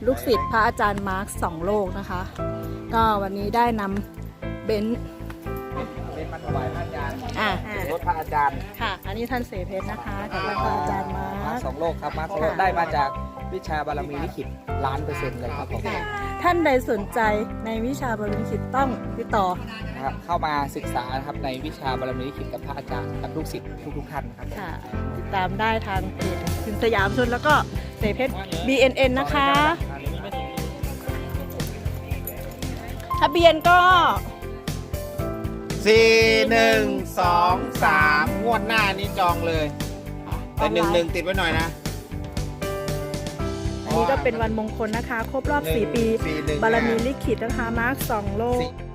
ลูกศิษย์พระอาจารย์มาร์ค2 โลกนะคะก็วันนี้ได้นำเบนซ์เป็นมาถวายพระอาจารย์ รถพระอาจารย์ค่ะอันนี้ท่านเสเพชรนะคะกับพระอาจารย์มาร์ค 2 โลกครับมา2 โลกได้มาจากวิชาบารมีลิขิต1,000,000%เลยครับผมท่านใดสนใจในวิชาบารมีลิขิตต้องติดต่อนะครับเข้ามาศึกษานะครับในวิชาบารมีลิขิตกับพระอาจารย์กับลูกศิษย์ทุกท่านครับค่ะติดตามได้ทางเพจสินสยามชนแล้วก็เสเพชร BNN นะคะทะเบียนก็ 4123 งวดหน้านี้จองเลย แต่11ติดไว้หน่อยนะอันนี้ก็เป็นวันมงคลนะคะ ครบรอบ 4 ปี 41 บารมีลิขิตนะคะมาร์ค2 โลก 4